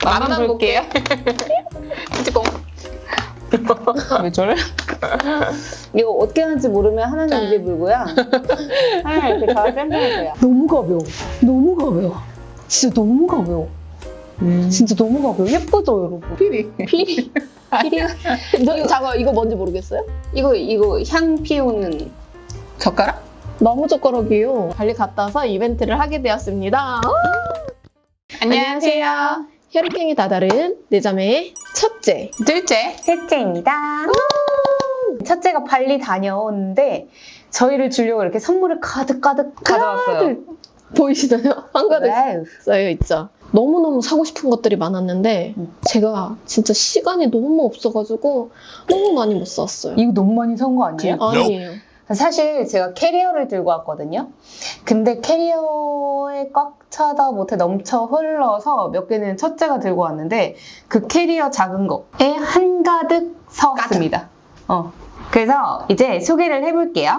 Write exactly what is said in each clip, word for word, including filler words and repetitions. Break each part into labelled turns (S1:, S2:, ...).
S1: 맛만 볼게요. 찌뽕. 왜 저래?
S2: 이거 어떻게 하는지 모르면 하나는 입에 물고요. 하나 이렇게 다 쌤쌤해줘요. 너무 가벼워. 너무 가벼워. 진짜 너무 가벼워.
S1: 음.
S2: 진짜 너무 가벼워. 예쁘죠, 여러분?
S1: 피리.
S2: 피리. 피리가. 저, 잠깐, 이거 뭔지 모르겠어요? 이거, 이거 향 피우는
S1: 젓가락?
S2: 너무 젓가락이에요. 발리 갔다 와서 이벤트를 하게 되었습니다. 안녕하세요. 혈액형이 다 다른 네 자매의 첫째,
S1: 둘째.
S2: 셋째입니다. 첫째가 발리 다녀오는데 저희를 주려고 이렇게 선물을 가득가득
S1: 가져왔어요.
S2: 보이시나요? 한가득
S1: 와우.
S2: 쌓여 있죠. 너무너무 사고 싶은 것들이 많았는데
S1: 음.
S2: 제가 진짜 시간이 너무 없어가지고 너무 많이 못 샀어요.
S3: 이거 너무 많이 산 거 아니에요?
S2: 아니에요.
S3: 사실 제가 캐리어를 들고 왔거든요. 근데 캐리어에 꽉 차다 못해 넘쳐 흘러서 몇 개는 첫째가 들고 왔는데 그 캐리어 작은 거에 한가득 사왔습니다. 어. 그래서 이제 소개를 해볼게요.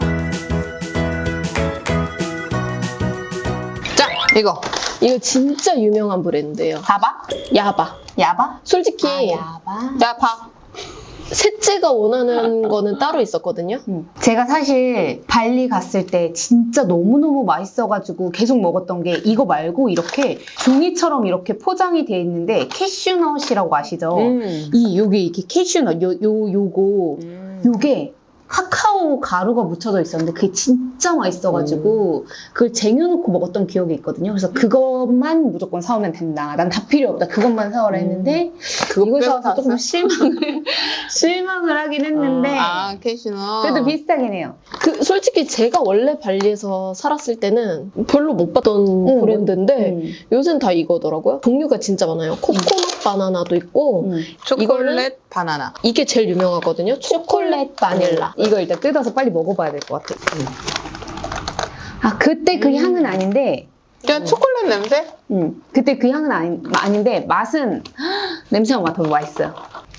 S1: 자, 이거.
S2: 이거 진짜 유명한 브랜드예요.
S3: 봐봐.
S2: 야바.
S3: 야바?
S2: 솔직히
S3: 아, 야바.
S1: 자, 봐.
S2: 셋째가 원하는 거는 따로 있었거든요.
S3: 음. 제가 사실 발리 갔을 때 진짜 너무너무 맛있어가지고 계속 먹었던 게 이거 말고 이렇게 종이처럼 이렇게 포장이 돼 있는데 캐슈넛이라고 아시죠?
S1: 음.
S3: 이 요게 이렇게 캐슈넛 요, 요 요거
S1: 음.
S3: 요게 카카오 가루가 묻혀져 있었는데 그게 진짜 맛있어가지고 그걸 쟁여놓고 먹었던 기억이 있거든요. 그래서 그것만 무조건 사오면 된다. 난 다 필요 없다. 그것만 사오라 했는데
S1: 그거
S3: 이거
S1: 빼고
S3: 사와서 조금
S1: 샀어?
S3: 실망을 실망을 하긴 했는데
S1: 아, 캐시넛.
S3: 그래도 비슷하긴 해요.
S2: 그 솔직히 제가 원래 발리에서 살았을 때는 별로 못 봤던
S3: 응,
S2: 브랜드인데
S3: 음.
S2: 요새는 다 이거더라고요. 종류가 진짜 많아요. 코코넛 바나나도 있고
S3: 음.
S1: 초콜릿
S2: 이거는-
S1: 바나나.
S2: 이게 제일 유명하거든요. 초콜릿 바닐라.
S3: 이거 일단 뜯어서 빨리 먹어봐야 될 것 같아. 아 그때 그
S1: 음.
S3: 향은 아닌데
S1: 그냥 초콜릿 냄새?
S3: 음, 그때 그 향은 아니, 아닌데 맛은 냄새가 맡아도 맛있어요.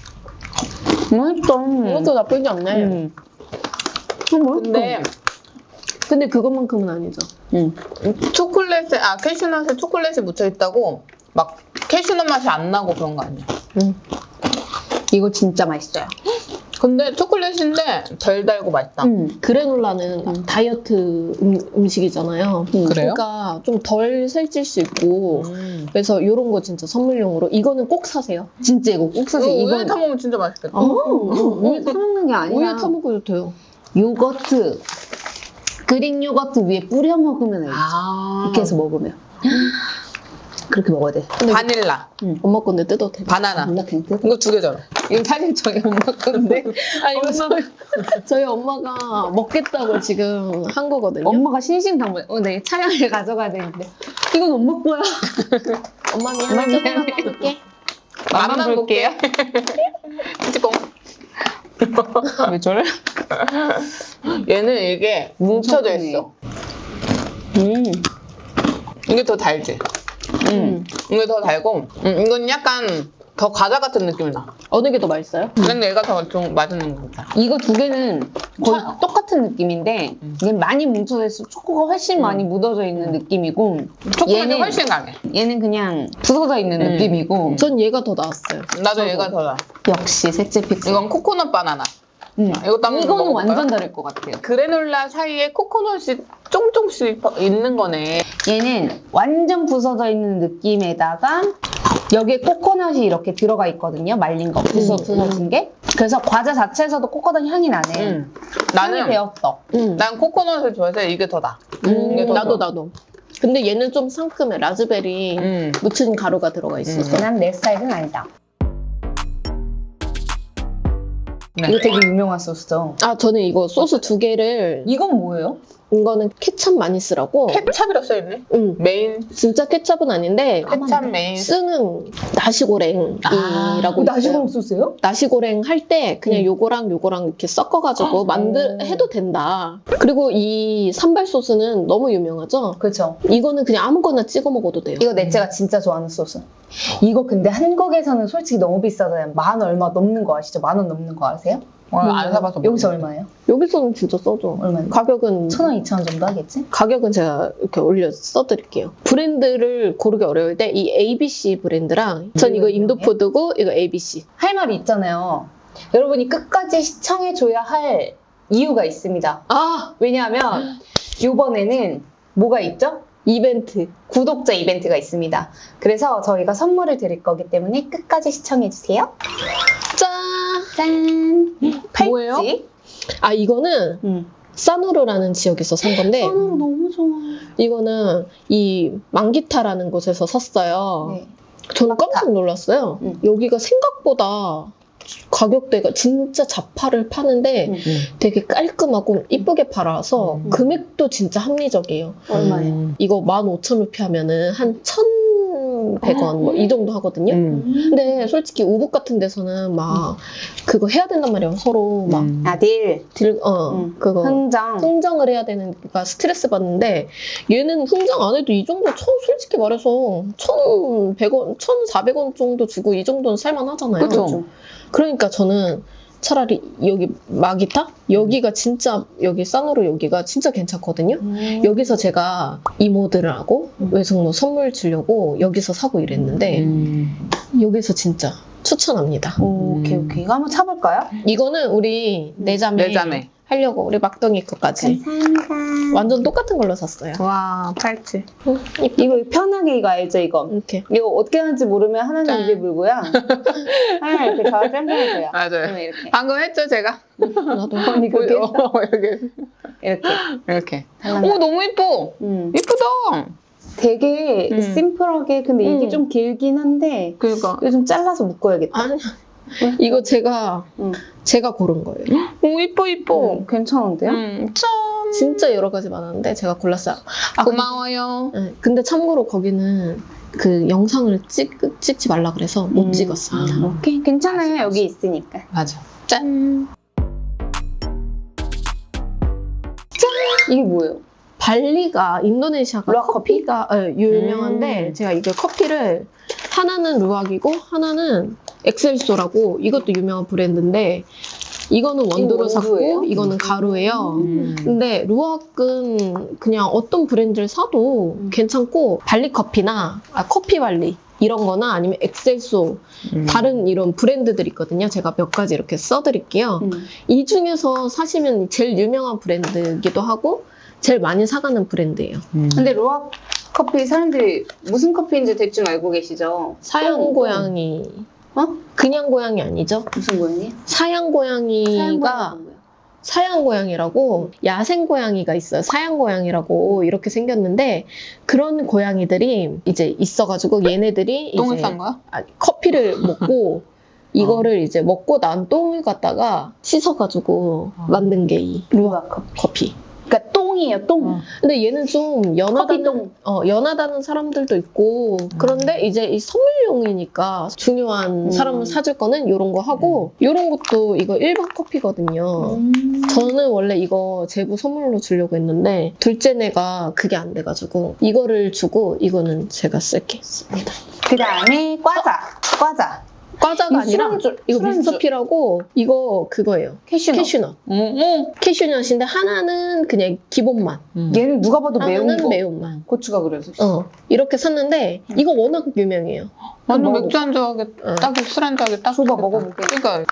S3: 맛있다.
S2: 이것도 나쁘지 않네.
S3: 음. 어, 맛있다.
S1: 근데
S2: 근데 그것만큼은 아니죠.
S3: 음.
S1: 초콜릿에, 아, 캐슈넛에 초콜릿이 묻혀있다고 막 캐슈넛 맛이 안 나고 그런 거 아니야.
S3: 이거 진짜 맛있어요.
S1: 근데 초콜릿인데 덜 달고 맛있다.
S3: 음.
S2: 그래놀라는
S3: 음.
S2: 다이어트 음, 식이잖아요
S3: 음.
S1: 그래요?
S2: 그러니까 좀 덜 살찔 수 있고
S1: 음.
S2: 그래서 이런 거 진짜 선물용으로 이거는 꼭 사세요.
S3: 진짜 이거 꼭
S1: 이거
S3: 사세요.
S1: 우유에
S3: 이건
S1: 타먹으면 진짜 맛있겠다.
S3: 어, 우유 타먹는 게 아니라
S2: 우유에 타먹어도 돼요.
S3: 요거트 그릭 요거트 위에 뿌려 먹으면 알지.
S1: 아.
S3: 이렇게 해서 먹으면 그렇게 먹어야 돼.
S2: 근데
S1: 바닐라,
S2: 엄마 건데 뜯어도 돼.
S1: 바나나.
S3: 몰라 그냥 뜯어.
S1: 이거 두 개잖아.
S3: 이거 사실 저희 엄마 건데
S2: 아니 저희, 저희 엄마가 먹겠다고 지금 한 거거든요.
S3: 엄마가 신신당부해. 어, 내 차량을 가져가야 되는데 이건 엄마 거야.
S2: 엄마 미안해.
S3: 엄마 미안해.
S2: 조금만 먹을게.
S1: 맛만 볼게요. 찌뽕. 왜 저래? 얘는 이게 뭉쳐져
S3: 크네.
S1: 있어.
S3: 음.
S1: 이게 더 달지?
S3: 음.
S1: 이게 더 달고, 음, 이건 약간 더 과자 같은 느낌이 나.
S2: 어느 게 더 맛있어요?
S1: 근데 얘가 더 좀 맛있는 것 같다.
S3: 이거 두 개는 거의
S1: 차-
S3: 똑같은 느낌인데
S1: 음.
S3: 얘는 많이 뭉쳐져 있어 초코가 훨씬
S1: 음.
S3: 많이 묻어져 있는 느낌이고
S1: 초콜릿이
S3: 얘는-
S1: 훨씬 강해.
S3: 얘는 그냥 부서져 있는
S1: 음.
S3: 느낌이고
S2: 전 얘가 더 나았어요.
S1: 나도 얘가 더 나.
S3: 역시 셋째 픽스.
S1: 이건 코코넛 바나나.
S3: 음.
S1: 이것도 한번
S3: 이거는
S1: 먹어볼까요?
S3: 완전 다를 것 같아요.
S1: 그래놀라 사이에 코코넛이 쫑쫑씩 있는 거네.
S3: 얘는 완전 부서져 있는 느낌에다가 여기에 코코넛이 이렇게 들어가 있거든요. 말린 거 부서,
S2: 음,
S3: 부서진 게. 그래서 과자 자체에서도 코코넛 향이 나네.
S1: 음.
S3: 향이
S1: 나는
S3: 배웠어.
S2: 음.
S1: 난 코코넛을 좋아해서 이게 더 나.
S2: 음,
S1: 이게 더
S2: 나도
S1: 좋아.
S2: 나도. 근데 얘는 좀 상큼해. 라즈베리
S1: 음.
S2: 묻힌 가루가 들어가 있어서.
S3: 난 내 스타일은 아니다.
S1: 네.
S3: 이거 되게 유명한 소스죠.
S2: 아 저는 이거 소스 두 개를
S3: 이건 뭐예요?
S2: 이거는 케찹 많이 쓰라고.
S1: 케찹이라고 써있네.
S2: 응.
S1: 메인
S2: 진짜 케찹은 아닌데
S1: 케찹 메인.
S2: 쓰는 나시고랭이라고
S1: 아,
S3: 이거 나시고랑
S2: 있어요.
S3: 소스예요?
S2: 나시고랭 할 때 그냥
S3: 음.
S2: 요거랑 요거랑 이렇게 섞어가지고 만들
S3: 오.
S2: 해도 된다. 그리고 이 산발 소스는 너무 유명하죠.
S3: 그렇죠.
S2: 이거는 그냥 아무거나 찍어 먹어도 돼요.
S3: 이거 넷째가 진짜 좋아하는 소스. 이거 근데 한국에서는 솔직히 너무 비싸잖아요. 만 얼마 넘는 거 아시죠? 만 원 넘는 거 아세요?
S1: 어, 안 사봐서
S3: 여기서
S1: 모르겠네.
S3: 얼마예요?
S2: 여기서는 진짜 써줘.
S3: 얼마예요?
S2: 가격은
S3: 천 원, 이천 원 정도 하겠지?
S2: 가격은 제가 이렇게 올려 써드릴게요. 브랜드를 고르기 어려울 때 이 에이비씨 브랜드랑 전 이거 인도푸드고 이거 에이비씨.
S3: 할 말이 있잖아요. 여러분이 끝까지 시청해줘야 할 이유가 있습니다.
S2: 아
S3: 왜냐하면 이번에는 뭐가 있죠?
S2: 이벤트.
S3: 구독자 이벤트가 있습니다. 그래서 저희가 선물을 드릴 거기 때문에 끝까지 시청해주세요.
S2: 짠.
S3: 짠!
S2: 뭐예요?
S3: 팔찌.
S2: 아 이거는
S3: 응.
S2: 사누르라는 지역에서 산 건데
S3: 선으로 너무 좋아.
S2: 이거는 이 망기타라는 곳에서 샀어요.
S3: 네.
S2: 저는
S3: 망기타.
S2: 깜짝 놀랐어요.
S3: 응.
S2: 여기가 생각보다 가격대가 진짜 자파를 파는데
S3: 응.
S2: 되게 깔끔하고 이쁘게 팔아서
S1: 음.
S2: 금액도 진짜 합리적이에요.
S3: 얼마예요?
S1: 음.
S2: 이거 만 오천 루피 하면은 한 천백 원 뭐 이 정도 하거든요.
S1: 음.
S2: 근데 솔직히 우붓 같은 데서는 막 그거 해야 된단 말이에요. 서로 막
S1: 음.
S3: 아, 딜.
S2: 딜, 어,
S3: 응.
S2: 그거
S3: 흥정.
S2: 흥정을 해야 되는가 스트레스 받는데 얘는 흥정 안 해도 이 정도 천, 솔직히 말해서 천백 원, 천사백 원 정도 주고 이 정도는 살만하잖아요.
S1: 그쵸.
S2: 그러니까 저는 차라리 여기 마기타? 여기가 진짜 여기 사노르 여기가 진짜 괜찮거든요.
S3: 음.
S2: 여기서 제가 이모들하고
S3: 음.
S2: 외숙모 선물 주려고 여기서 사고 이랬는데
S1: 음.
S2: 여기서 진짜 추천합니다.
S3: 오, 오케이,
S1: 음.
S3: 오케이. 이거 한번 차볼까요?
S2: 이거는 우리 내자매
S1: 내자매.
S2: 하려고 우리 막둥이 거까지
S3: 감사합니다.
S2: 완전 똑같은 걸로 샀어요.
S1: 와, 팔찌.
S2: 응, 이쁘-
S3: 이거 편하게 이거 알죠, 이거?
S2: 이렇게.
S3: 이거 어떻게 하는지 모르면 하나는
S1: 짠.
S3: 입에 물고요. 하나 이렇게 다 쌤쌤해줘요.
S1: 맞아요.
S3: 이렇게.
S1: 방금 했죠, 제가?
S2: 나도
S3: 언니 그렇게 했어?
S1: 어, 이렇게.
S3: 이렇게.
S1: 이렇게.
S3: 달랑.
S1: 오, 너무 예뻐.
S3: 음.
S1: 예쁘다.
S3: 되게
S1: 음.
S3: 심플하게, 근데 이게
S2: 음.
S3: 좀 길긴 한데,
S1: 그러니까.
S3: 이거 좀 잘라서 묶어야겠다.
S2: 아니 이거 제가
S3: 응.
S2: 제가 고른 거예요.
S1: 오, 예뻐, 예뻐.
S3: 오, 괜찮은데요?
S1: 음, 짠.
S2: 진짜 여러 가지 많았는데 제가 골랐어요. 아, 근데-
S1: 고마워요.
S2: 네, 근데 참고로 거기는 그 영상을 찍, 찍지 말라 그래서 못
S3: 음.
S2: 찍었습니다.
S1: 음.
S3: 오케이, 괜찮아요.
S1: 맞아,
S3: 여기 있으니까.
S1: 맞아. 짠.
S3: 이게 뭐예요?
S2: 발리가 인도네시아가
S3: 루악 커피?
S2: 커피가 예, 유명한데
S1: 음.
S2: 제가 이게 커피를 하나는 루악이고 하나는 엑셀소라고 이것도 유명한 브랜드인데 이거는 원두로
S3: 이거 원두예요?
S2: 샀고 이거는 가루예요.
S1: 음.
S2: 근데 루악은 그냥 어떤 브랜드를 사도
S3: 음.
S2: 괜찮고 발리 커피나 아, 커피 발리 이런 거나 아니면 엑셀소
S1: 음.
S2: 다른 이런 브랜드들 있거든요. 제가 몇 가지 이렇게 써드릴게요.
S3: 음.
S2: 이 중에서 사시면 제일 유명한 브랜드이기도 하고 제일 많이 사가는 브랜드예요.
S1: 음.
S3: 근데 로아 커피 사람들이 무슨 커피인지 대충 알고 계시죠?
S2: 사양
S3: 어,
S2: 고양이
S3: 어?
S2: 그냥 고양이 아니죠?
S3: 무슨 고양이?
S2: 사양 고양이가 사양 고양이라고 야생 고양이가 있어요. 사양 고양이라고 이렇게 생겼는데 그런 고양이들이 이제 있어가지고 얘네들이
S1: 똥을
S2: 이제
S1: 싼 거야?
S2: 아, 커피를 먹고 이거를 이제 먹고 난 똥을 갖다가 씻어가지고
S1: 어.
S2: 만든 게 이
S3: 루아 커피.
S2: 커피.
S3: 그러니까 똥이에요, 똥.
S1: 어.
S2: 근데 얘는 좀 연하다는
S3: 커피똥.
S2: 어, 연하다는 사람들도 있고 그런데 이제 이 선물용이니까 중요한
S3: 음.
S2: 사람을 사줄 거는 이런 거 하고 이런 것도 이거 일반 커피거든요.
S3: 음.
S2: 저는 원래 이거 제부 선물로 주려고 했는데 둘째네가 그게 안 돼가지고 이거를 주고 이거는 제가 쓸게.
S3: 그 다음에 과자. 과자.
S2: 과자가
S3: 이거
S2: 아니라
S3: 술안주,
S2: 이거
S3: 술안주.
S2: 미스터피라고 이거 그거예요.
S3: 캐슈넛.
S2: 캐슈넛.
S1: 오, 오.
S2: 캐슈넛인데 하나는 그냥 기본 맛.
S1: 음.
S3: 얘는 누가 봐도 매운
S2: 하나는
S3: 거.
S2: 매운맛.
S3: 고추가 그래서.
S2: 어 이렇게 샀는데 이거 워낙 유명해요.
S1: 완전
S3: 먹어볼까?
S1: 맥주 한잔 하게,
S2: 어.
S1: 딱 술 한잔 하게 딱.
S3: 줘봐,
S1: 좋겠다.
S3: 먹어볼게.
S1: 그러니까,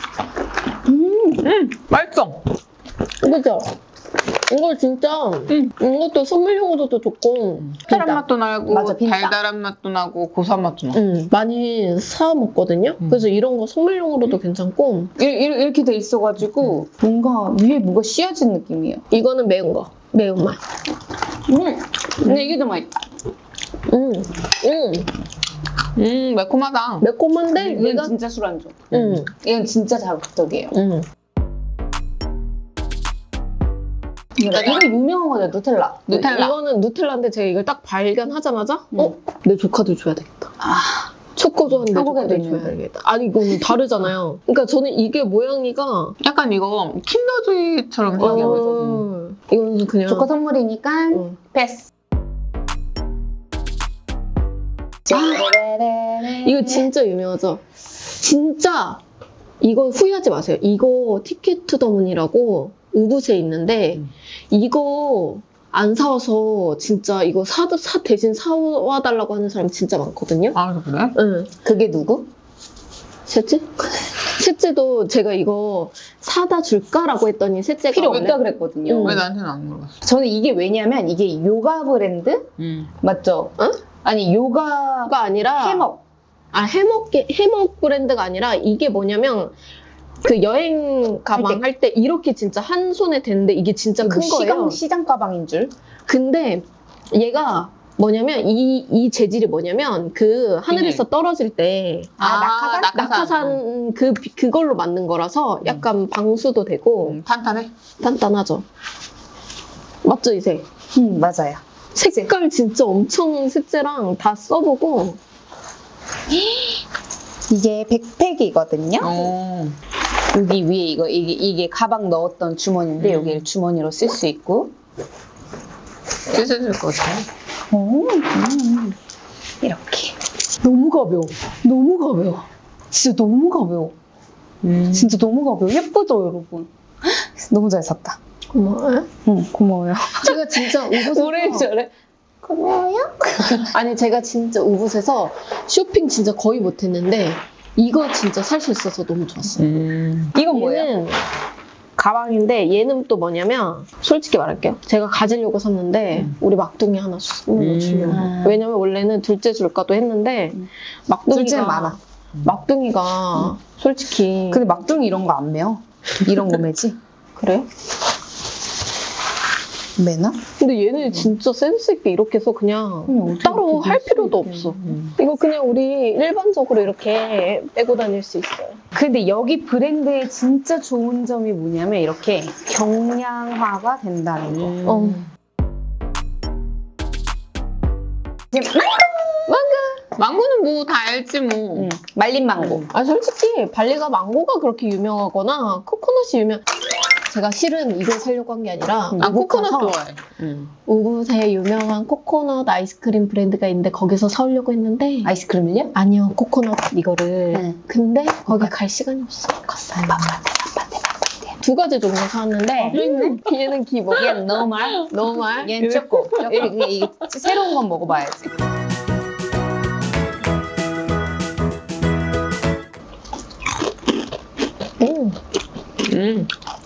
S3: 음.
S1: 음, 맛있어.
S2: 그죠? 이거 진짜
S1: 음.
S2: 이것도 선물용으로도 좋고
S1: 달달한
S2: 빈다.
S1: 맛도 나고,
S3: 맞아, 빈다.
S1: 달달한 맛도 나고, 고소한 맛도 나고.
S2: 음, 많이 사 먹거든요.
S1: 음.
S2: 그래서 이런 거 선물용으로도 괜찮고
S3: 이- 이- 이렇게 돼 있어가지고 뭔가 위에 뭐가 씌어진 느낌이에요.
S2: 이거는 매운 거 매운맛.
S3: 음. 근데 이게 더 맛있다.
S2: 음, 음,
S1: 음, 매콤하다.
S2: 매콤한데
S3: 이건
S2: 얘가
S3: 진짜 술안주.
S2: 음,
S3: 이건 진짜 자극적이에요.
S2: 음.
S3: 이거 유명한 거죠, 누텔라.
S1: 누텔라.
S2: 이거는 누텔라인데 제가 이걸 딱 발견하자마자
S3: 음.
S2: 어? 내 조카도 줘야 되겠다.
S3: 아,
S2: 초코 좋아하는 내
S3: 한국에도
S2: 조카도
S3: 있는데.
S2: 줘야겠다. 아니 이거는 다르잖아요. 그러니까 저는 이게 모양이가
S1: 약간 이거 킨더조이처럼 생겨가지고.
S2: 어, 이거는 그냥
S3: 조카 선물이니까
S2: 어.
S3: 패스.
S2: 이거 진짜 유명하죠? 진짜
S4: 이거 후회하지 마세요. 이거 티켓 투 더 문이라고 우붓에 있는데
S1: 음.
S4: 이거 안 사와서 진짜 이거 사, 사 대신 사와달라고 하는 사람 진짜 많거든요.
S1: 아, 그래?
S4: 응.
S3: 그게 누구?
S4: 셋째? 셋째도 제가 이거 사다 줄까라고 했더니 셋째가
S3: 필요
S4: 원래-
S3: 없다 그랬거든요.
S4: 음.
S1: 왜 나한테는 안 물어봤어?
S3: 저는 이게 왜냐면 이게 요가 브랜드
S1: 음.
S3: 맞죠?
S4: 응?
S3: 아니 요가
S4: 가 아니라
S3: 해먹.
S4: 아 해먹 해먹 브랜드가 아니라 이게 뭐냐면 그 여행 가방 할 때 이렇게 진짜 한 손에 되는데 이게 진짜 큰
S3: 뭐
S4: 거예요.
S3: 시장 시장 가방인 줄.
S4: 근데 얘가 뭐냐면 이, 이 재질이 뭐냐면 그 하늘에서 떨어질 때
S3: 아, 낙하산?
S4: 낙하산 그 그걸로 만든 거라서 약간 방수도 되고
S1: 음, 탄탄해?
S4: 단단하죠. 맞죠 이제?
S3: 음 맞아요.
S4: 색깔 진짜 엄청 셋째랑 다 써보고
S3: 이게 백팩이거든요.
S1: 어.
S3: 여기 위에 이거 이게 이게 가방 넣었던 주머니인데
S1: 음.
S3: 여기를 주머니로 쓸 수 있고.
S1: 찢어질 것 같아.
S3: 오, 음. 이렇게.
S2: 너무 가벼워. 너무 가벼워. 진짜 너무 가벼워.
S1: 음.
S3: 진짜 너무 가벼워. 예쁘죠, 여러분? 너무 잘 샀다.
S4: 고마워요.
S3: 응, 고마워요.
S4: 제가 진짜 우붓에서
S3: 뭐래 저래? 고마워요.
S4: 아니 제가 진짜 우붓에서 쇼핑 진짜 거의 못했는데 이거 진짜 살 수 있어서 너무 좋았어요.
S1: 음.
S3: 이건 뭐예요?
S4: 얘는 가방인데 얘는 또 뭐냐면 솔직히 말할게요. 제가 가지려고 샀는데
S1: 음.
S4: 우리 막둥이 하나 선물로
S1: 음.
S4: 주려고.
S3: 아.
S4: 왜냐면 원래는 둘째 줄까도 했는데
S3: 음.
S4: 막둥이가
S3: 둘째는 많아.
S4: 막둥이가 솔직히
S3: 근데 막둥이 이런 거 안 매요. 이런 거 매지?
S4: 그래요?
S3: 매나?
S4: 근데 얘는 진짜 센스 있게 이렇게 해서 그냥
S3: 그냥 어떻게
S4: 따로
S3: 이렇게
S4: 할
S3: 낼 수
S4: 필요도
S3: 있게.
S4: 없어.
S1: 음.
S4: 이거 그냥 우리 일반적으로 이렇게 빼고 다닐 수 있어요.
S3: 근데 여기 브랜드의 진짜 좋은 점이 뭐냐면 이렇게 경량화가 된다는 거.
S1: 음.
S4: 어.
S1: 망고는 뭐 다 알지 뭐.
S3: 응, 말린 망고.
S4: 아 솔직히 발리가 망고가 그렇게 유명하거나 코코넛이 유명. 제가 실은 이걸 사려고 한 게 아니라
S1: 난
S4: 우붓
S1: 코코넛
S4: 가서
S1: 좋아해. 음.
S4: 우붓에 유명한 코코넛 아이스크림 브랜드가 있는데 거기서 사려고 했는데
S3: 아이스크림을요?
S4: 아니요 코코넛 이거를
S3: 네.
S4: 근데 거기 갈 시간이 없어.
S3: 컸어요. 바빠대, 바빠대, 바빠대.
S4: 두 가지 종류 사왔는데
S3: 또 있네?
S4: 얘는 기본.
S3: 얘는 노말,
S4: 너무 말.
S3: 얘는 초코. 이게, 이게 새로운 건 먹어봐야지.
S4: 음.
S1: 음.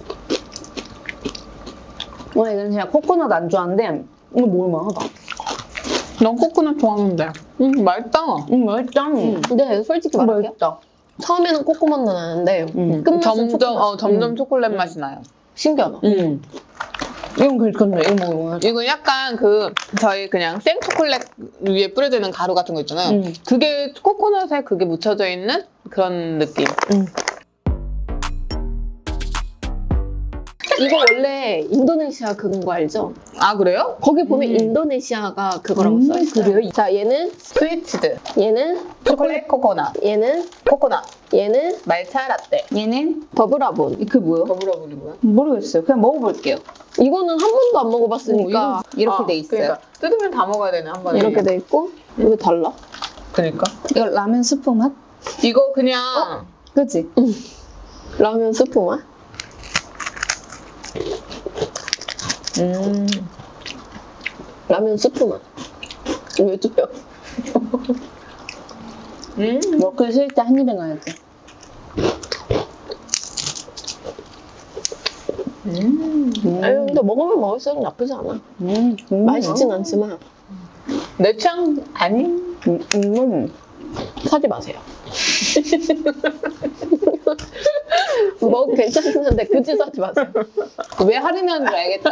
S3: 와, 이건 그냥 코코넛 안 좋아하는데 이거 먹을만하다.
S1: 넌 코코넛 좋아하는데. 음, 맛있다.
S3: 음, 맛있다. 음.
S4: 근데 솔직히 말할게요.
S3: 맛있다.
S4: 처음에는 코코넛 나는데
S3: 음.
S4: 끝맛은
S1: 점점,
S4: 초코맛.
S1: 어, 점점
S4: 음.
S1: 초콜릿 맛이 나요.
S4: 신기하다.
S1: 음.
S3: 이건 괜찮네. 이거 먹으면.
S1: 이건 약간 그, 저희 그냥 생 초콜릿 위에 뿌려져 있는 가루 같은 거 있잖아요.
S3: 음.
S1: 그게 코코넛에 그게 묻혀져 있는 그런 느낌.
S4: 이거 원래 인도네시아 그건 거 알죠?
S1: 아, 그래요?
S4: 거기 보면
S3: 음.
S4: 인도네시아가 그거라고
S3: 음,
S4: 써있어요.
S3: 그래요?
S4: 자, 얘는,
S1: 스위치드.
S4: 얘는,
S1: 초콜릿 코코넛.
S4: 얘는,
S1: 코코넛.
S4: 얘는
S1: 말차 라떼.
S3: 얘는
S4: 더블아본.
S3: 그 뭐요?
S1: 더블어블이 뭐야?
S3: 모르겠어요. 그냥 먹어볼게요.
S4: 이거는 한 번도 안 먹어봤으니까
S3: 이렇게
S1: 아,
S3: 돼 있어요.
S1: 그러니까 뜯으면 다 먹어야 되네, 한 번에.
S4: 이렇게 돼 있고 이거 달라?
S1: 그러니까.
S3: 이거 라면 스프 맛?
S1: 이거 그냥
S3: 그치?
S4: 라면 스프 맛?
S1: 음.
S4: 라면 스프 맛. 왜 뜯겨?
S1: 음.
S3: 먹기 싫을 때 한 입에 넣어야 돼.
S1: 음.
S4: 아니 근데 먹으면 먹을수록 나쁘지 않아.
S3: 음, 음.
S4: 맛있진 않지만
S1: 내 취향 아니?
S3: 음, 음.
S4: 사지 마세요. 뭐 괜찮은데 굳이 사지 마세요.
S3: 왜 할인하는 줄 알겠다.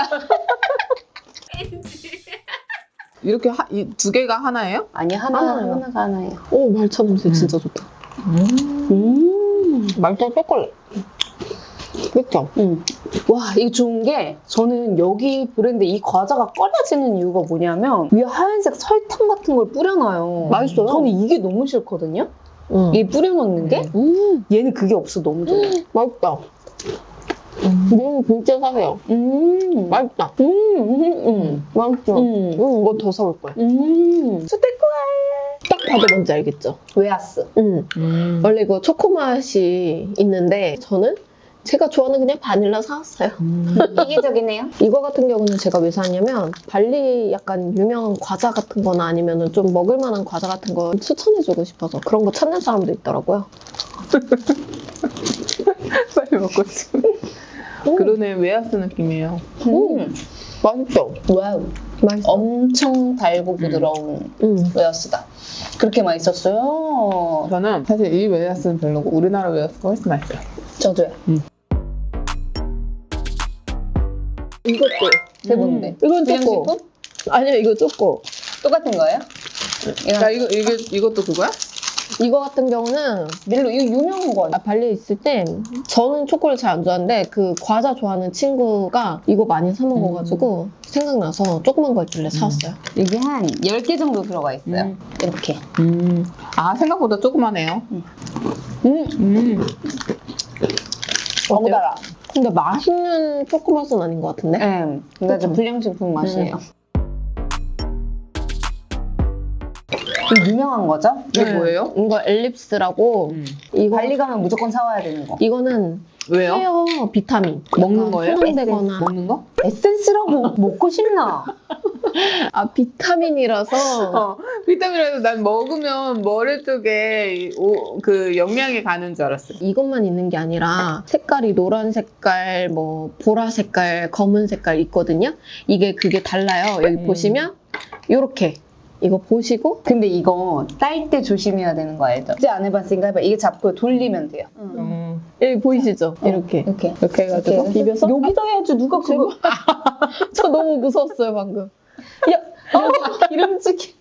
S1: 이렇게 이 두 개가 하나예요?
S3: 아니, 하나,
S4: 하나요.
S3: 하나가 하나예요.
S4: 오 말차 냄새 진짜 좋다.
S3: 음.
S4: 말차 초콜릿. 그쵸?
S3: 음. 와, 이게 좋은 게 저는 여기 브랜드 이 과자가 꺼려지는 이유가 뭐냐면 위에 하얀색 설탕 같은 걸 뿌려놔요.
S4: 맛있어요.
S3: 저는 이게 너무 싫거든요.
S4: 응.
S3: 이 뿌려놓는 게
S4: 음,
S3: 얘는 그게 없어 너무 좋아.
S4: 맛있다. 음, 진짜 사세요.
S3: 음.
S4: 맛있다.
S3: 음. 음. 음.
S4: 맛있죠?
S3: 음.
S4: 음, 이거 더 사올 거야.
S3: 음.
S4: 딱 다들 뭔지 알겠죠?
S3: 웨하스.
S4: 음.
S1: 음.
S4: 원래 이거 초코 맛이 있는데 저는 제가 좋아하는 그냥 바닐라 사왔어요.
S1: 음.
S3: 이기적이네요.
S4: 이거 같은 경우는 제가 왜 샀냐면 발리 약간 유명한 과자 같은 거나 아니면 좀 먹을 만한 과자 같은 거 추천해주고 싶어서 그런 거 찾는 사람도 있더라고요.
S1: 빨리 먹고 싶어. 그러네, 웨하스 느낌이에요.
S3: 음.
S1: 맛있죠?
S3: 와우.
S4: 맛있어.
S3: 엄청 달고 부드러운
S4: 음.
S3: 웨하스다. 그렇게 맛있었어요.
S1: 저는 사실 이 웨하스는 별로고 우리나라 웨하스가 훨씬 맛있어요.
S3: 저도요.
S4: 이것도.
S3: 그게 뭔데?
S4: 이건
S3: 그냥
S4: 쪼꼬.
S3: 식품?
S4: 아니요, 이거 쪼꼬.
S3: 똑같은 거예요?
S1: 야, 이거, 이게, 이것도 그거야?
S4: 이거 같은 경우는
S3: 밀로 이거 유명한 거 아니야?
S4: 아, 발리에 있을 때 저는 초코를 잘 안 좋아하는데 그 과자 좋아하는 친구가 이거 많이 사 먹어가지고 생각나서 조그만 거 있길래 사왔어요.
S3: 이게 한 열 개 정도 들어가 있어요.
S1: 음.
S3: 이렇게.
S1: 음. 아, 생각보다 조그마네요.
S3: 음.
S1: 음. 음.
S3: 너무 달아.
S4: 근데 맛있는 초코 맛은 아닌 것 같은데?
S3: 네. 근데 좀
S4: 그쵸?
S3: 불량식품 맛이에요. 이거 유명한 거죠?
S1: 이게
S4: 네.
S1: 뭐예요?
S4: 이거 엘립스라고
S1: 음.
S4: 이거
S3: 발리 가면 무조건 사와야 되는 거.
S4: 이거는
S1: 왜요?
S4: 헤어 비타민
S1: 먹는
S4: 약간
S1: 거예요?
S4: 혼용되거나
S1: 먹는 거?
S3: 에센스라고 먹고 싶나?
S4: 아 비타민이라서
S1: 어, 비타민이라도 난 먹으면 머리 쪽에 이 오- 그 영양이 가는 줄 알았어요.
S4: 이것만 있는 게 아니라 색깔이 노란 색깔, 뭐 보라 색깔, 검은 색깔 있거든요. 이게 그게 달라요. 여기
S1: 음.
S4: 보시면 요렇게 이거 보시고
S3: 근데 이거 딸 때 조심해야 되는 거 알죠? 이제 안 해봤으니까 해봐. 이게 잡고 돌리면 돼요.
S1: 음.
S4: 여기 보이시죠? 이렇게
S3: 이렇게.
S1: 이렇게 해가지고
S3: 이렇게.
S4: 비벼서
S3: 여기다 해야지 누가 그거.
S4: 저 너무 무서웠어요 방금. 야, 어, 기름지기.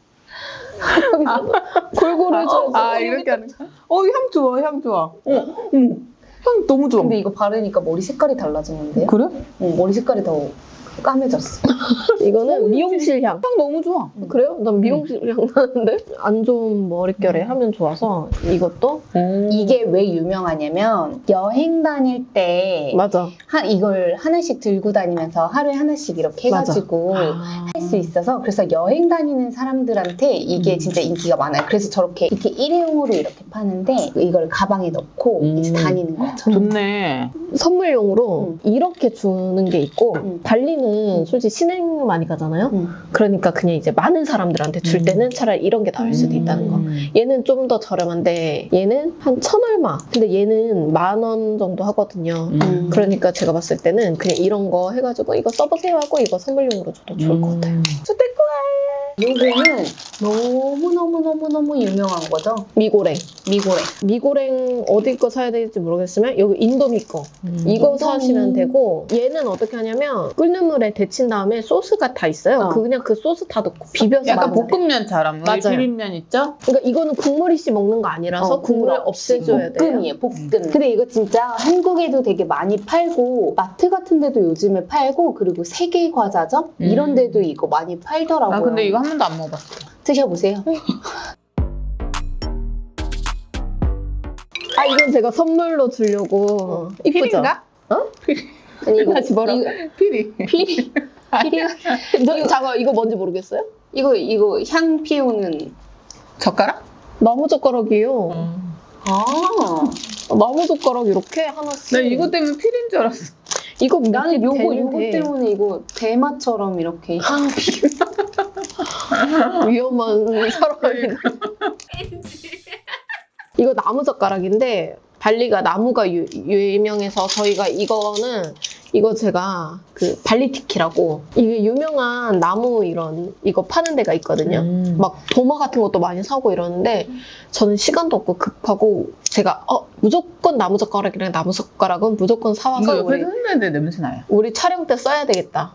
S4: 골고루 해줘야지.
S1: 아, 이렇게 하는 거. 어, 향 좋아, 향 좋아. 어, 음. 향 너무 좋아.
S3: 근데 이거 바르니까 머리 색깔이 달라지는데요?
S1: 그래?
S3: 응, 머리 색깔이 더 까매졌어.
S4: 이거는 미용실 향.
S1: 향 너무 좋아.
S4: 그래요? 난 미용실 향 나는데? 안 좋은 머릿결에 하면 좋아서 이것도
S3: 이게 왜 유명하냐면 여행 다닐 때
S4: 맞아.
S3: 한 이걸 하나씩 들고 다니면서 하루에 하나씩 이렇게 해가지고
S1: 아.
S3: 할 수 있어서 그래서 여행 다니는 사람들한테 이게
S1: 음.
S3: 진짜 인기가 많아요. 그래서 저렇게 이렇게 일회용으로 이렇게 파는데 이걸 가방에 넣고
S1: 음.
S3: 이제 다니는 거죠.
S1: 좋네.
S4: 선물용으로 이렇게 주는 게 있고
S3: 음.
S4: 발리는 솔직히 신행 많이 가잖아요.
S3: 음.
S4: 그러니까 그냥 이제 많은 사람들한테 줄
S1: 음.
S4: 때는 차라리 이런 게 나을 수도 있다는 거. 얘는 좀 더 저렴한데 얘는 한 천 얼마. 근데 얘는 만 원 정도 하거든요.
S1: 음.
S4: 그러니까 제가 봤을 때는 그냥 이런 거 해가지고 이거 써보세요 하고 이거 선물용으로 줘도 좋을 것 같아요.
S3: 요거는 너무너무너무너무 유명한 거죠.
S4: 미고랭.
S3: 미고랭.
S4: 미고랭 어디 거 사야 될지 모르겠으면 여기 인도미 거.
S1: 음.
S4: 이거
S3: 인도미.
S4: 사시면 되고 얘는 어떻게 하냐면 끓는 물에 데친 다음에 소스가 다 있어요.
S3: 어.
S4: 그 그냥 그 소스 다 넣고 비벼서
S1: 약간
S4: 먹으면 돼.
S1: 볶음면처럼 우리
S4: 맞아요.
S1: 비빔면 있죠?
S4: 그러니까 이거는 국물 이씨 먹는 거 아니라서
S3: 어,
S4: 국물을
S3: 없이.
S4: 없애줘야 돼요.
S3: 볶음이에요, 볶음. 근데 이거 진짜 한국에도 되게 많이 팔고 마트 같은 데도 요즘에 팔고 그리고 세계 과자점
S1: 음.
S3: 이런 데도 이거 많이 팔더라고요.
S1: 나 근데 이거 한 번도 안 먹어봤어.
S3: 드셔보세요.
S4: 아 이건 제가 선물로 주려고 이쁘죠?
S1: 피리인가?
S4: 어?
S3: 아니 이거
S4: 다시 뭐라?
S3: 이거
S1: 피리.
S3: 피리 피리
S4: 저, 잠깐 이거 뭔지 모르겠어요?
S3: 이거 이거 향 피우는
S1: 젓가락?
S4: 나무 젓가락이에요.
S3: 아
S4: 나무 젓가락 이렇게 하나씩.
S1: 나 이거 때문에 피리인 줄 알았어.
S4: 이거
S3: 나는
S4: 밑에
S3: 요거 요거
S4: 되는데
S3: 때문에 이거 대마처럼 이렇게 향 피.
S4: 위험한 사람이다. 이거 나무 젓가락인데 발리가 나무가 유, 유명해서 저희가 이거는 이거 제가 그 발리티키라고 이게 유명한 나무 이런 이거 파는 데가 있거든요.
S1: 음.
S4: 막 도마 같은 것도 많이 사고 이러는데 저는 시간도 없고 급하고 제가 어 무조건 나무 젓가락이랑 나무 젓가락은 무조건
S1: 이거
S4: 사와서 우리,
S1: 옆에서 흔드는데 냄새 나요.
S4: 우리 촬영 때 써야 되겠다.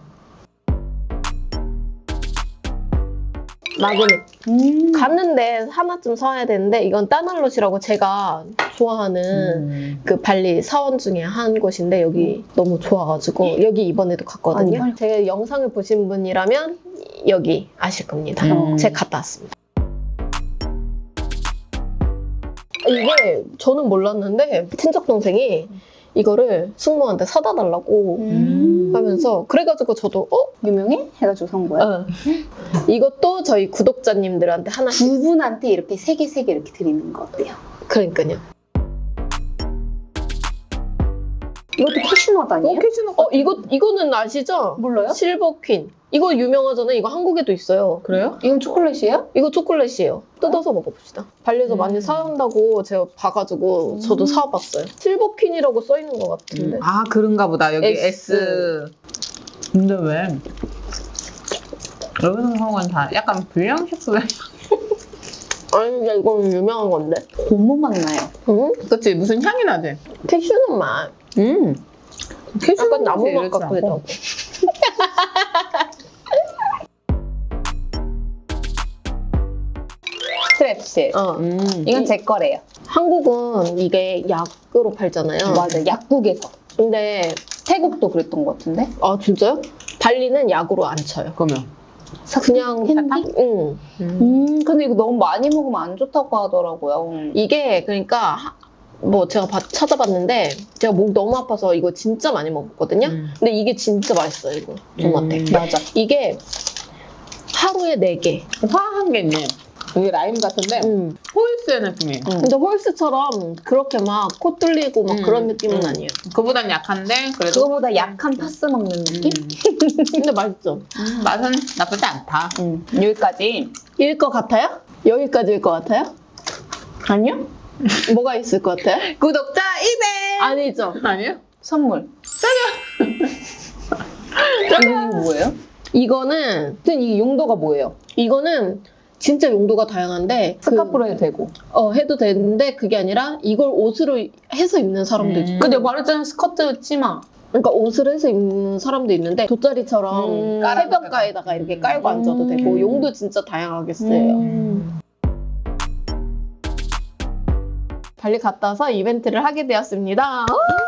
S4: 마그넷.
S3: 음.
S4: 갔는데 하나쯤 사야 되는데 이건 따날롯이라고 제가 좋아하는
S1: 음.
S4: 그 발리 사원 중에 한 곳인데 여기 너무 좋아가지고 여기 이번에도 갔거든요.
S3: 아니,
S4: 제 영상을 보신 분이라면 여기 아실 겁니다.
S1: 음.
S4: 제가 갔다 왔습니다. 이게 저는 몰랐는데 친척 동생이 이거를 숙모한테 사다 달라고
S2: 음.
S4: 하면서 그래가지고 저도 어?
S2: 유명해? 해가지고 산 거야?
S4: 어. 이것도 저희 구독자님들한테 하나씩
S2: 두 분한테 이렇게 세 개 세 개 이렇게 드리는 거 어때요?
S4: 그러니까요.
S2: 이것도 캐슈넛 아니에요?
S1: 어, 캐슈넛.
S4: 어 이거 이거는 아시죠?
S2: 몰라요?
S4: 실버 퀸. 이거 유명하잖아요. 이거 한국에도 있어요.
S1: 그래요?
S2: 이건 초콜릿이에요?
S4: 이거 초콜릿이에요. 뜯어서 먹어봅시다. 발리에서
S1: 음.
S4: 많이 사온다고 제가 봐가지고 저도
S2: 음.
S4: 사와봤어요. 실버 퀸이라고 써 있는 것 같은데.
S1: 아, 그런가 보다. 여기 S.
S4: S.
S1: 근데 왜? 여기서 사온 건 다 약간 불량식품.
S4: 아니 근데 이건 유명한 건데.
S2: 고무 맛 나요.
S4: 응?
S1: 그치? 무슨 향이 나지?
S4: 캐슈넛 맛.
S1: 음. 캐슈넛
S4: 약간 나무 맛
S1: 이렇지
S4: 같기도
S1: 않고.
S4: 하고.
S2: 스트랩실.
S4: 어.
S1: 음.
S2: 이건 제 거래요.
S4: 한국은 이게 약으로 팔잖아요.
S2: 맞아, 약국에서.
S4: 근데
S2: 태국도 그랬던 것 같은데?
S4: 아 진짜요? 발리는 약으로 안 쳐요.
S1: 그러면.
S4: 그냥
S2: 핸디?
S4: 응.
S1: 음.
S2: 음, 근데 이거 너무 많이 먹으면 안 좋다고 하더라고요. 음.
S4: 이게 그러니까 하- 뭐 제가 봐- 찾아봤는데 제가 목 너무 아파서 이거 진짜 많이 먹었거든요.
S1: 음.
S4: 근데 이게 진짜 맛있어요 이거 저한테.
S1: 음.
S2: 맞아.
S4: 이게 하루에 네 개.
S1: 화한 게 있네. 이게 라임 같은데
S4: 음.
S1: 호이스의 느낌이에요.
S2: 음.
S4: 근데 홀스처럼 그렇게 막 코 뚫리고 막
S1: 음.
S4: 그런 느낌은
S1: 음.
S4: 아니에요.
S1: 그보단 약한데 그래도
S2: 그거보다 약한 파스 먹는 느낌?
S4: 근데 맛있죠.
S1: 음, 맛은 나쁘지 않다.
S2: 음. 여기까지.
S4: 일 것 같아요? 여기까지일 것 같아요?
S2: 아니요?
S4: 뭐가 있을 것 같아요?
S1: 구독자 이백!
S4: 아니죠.
S1: 아니요?
S2: 선물. 이거 뭐예요?
S4: 이거는
S2: 근데 이 용도가 뭐예요?
S4: 이거는 진짜 용도가 다양한데 그-
S2: 스카프로 해도 되고.
S4: 어, 해도 되는데 그게 아니라 이걸 옷으로 해서 입는 사람도
S1: 음.
S4: 있고
S2: 근데 말했잖아, 스커트 치마.
S4: 그러니까 옷을 해서 입는 사람도 있는데 돗자리처럼
S2: 음.
S4: 해변가에다가 이렇게 깔고 앉아도
S2: 음.
S4: 되고 용도 진짜 다양하게 쓰여요.
S2: 음.
S4: 발리 갔다 와서 이벤트를 하게 되었습니다.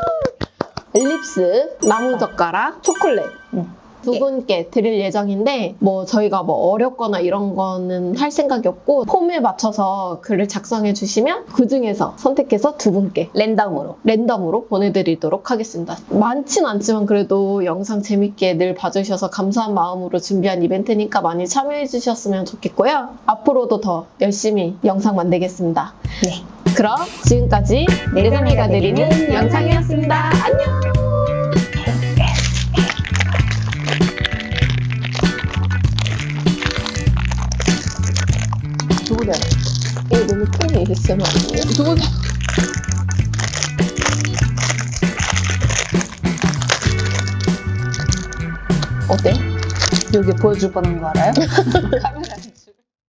S4: 엘립스, 나무젓가락, 초콜릿
S2: 음.
S4: 두 분께 드릴 예정인데 뭐 저희가 뭐 어렵거나 이런 거는 할 생각이 없고 폼에 맞춰서 글을 작성해 주시면 그 중에서 선택해서 두 분께
S2: 랜덤으로.
S4: 랜덤으로 보내드리도록 하겠습니다. 많진 않지만 그래도 영상 재밌게 늘 봐주셔서 감사한 마음으로 준비한 이벤트니까 많이 참여해 주셨으면 좋겠고요. 앞으로도 더 열심히 영상 만들겠습니다.
S2: 네.
S4: 그럼 지금까지 내장이가 드리는
S2: 드리는
S4: 영상이었습니다. 안녕!
S1: 누구래?
S4: 이거 너무 큰 에이에스엠알 아니에요?
S1: 누구?
S2: 어때? 여기 보여줄 뻔한 거 알아요?
S1: 카메라.